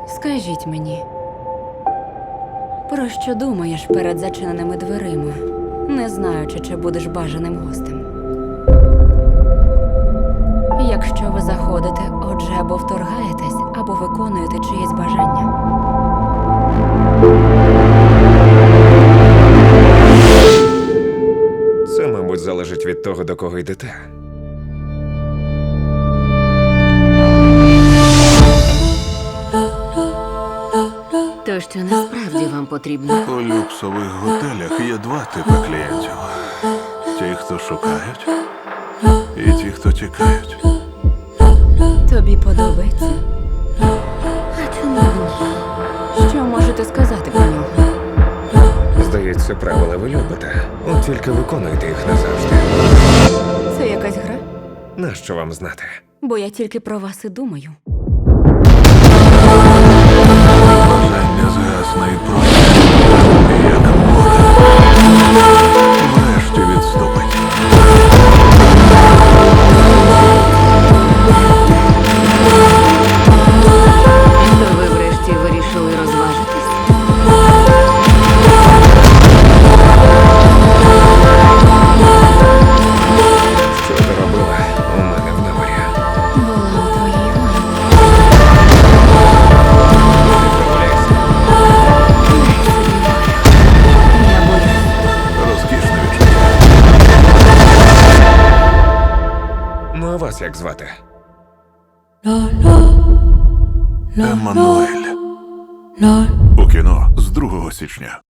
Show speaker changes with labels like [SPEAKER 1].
[SPEAKER 1] Скажіть мені, про що думаєш перед зачиненими дверима, не знаючи, чи будеш бажаним гостем? Якщо ви заходите, отже, або вторгаєтесь, або виконуєте чиєсь бажання.
[SPEAKER 2] Це, мабуть, залежить від того, до кого йдете.
[SPEAKER 1] То, що насправді вам потрібно.
[SPEAKER 3] У люксових готелях є два типи клієнтів: ті, хто шукають, і ті, хто тікають.
[SPEAKER 1] Тобі подобається? А чому ні? Що можете сказати про нього?
[SPEAKER 2] Здається, правила ви любите. От тільки виконуйте їх назавжди.
[SPEAKER 1] Це якась гра?
[SPEAKER 2] Нащо вам знати?
[SPEAKER 1] Бо я тільки про вас і думаю.
[SPEAKER 3] Бажання згасне і пройде, як вода. Врешті відступить.
[SPEAKER 1] То ви врешті вирішили розважитись?
[SPEAKER 2] Що ти робила у мене в номері?
[SPEAKER 1] Була у твоїй голові.
[SPEAKER 2] Прогуляйся.
[SPEAKER 1] Я боюсь.
[SPEAKER 3] Розкішне відчуття.
[SPEAKER 2] Ну, а вас як звати?
[SPEAKER 3] Еммануель. У кіно з 2 січня.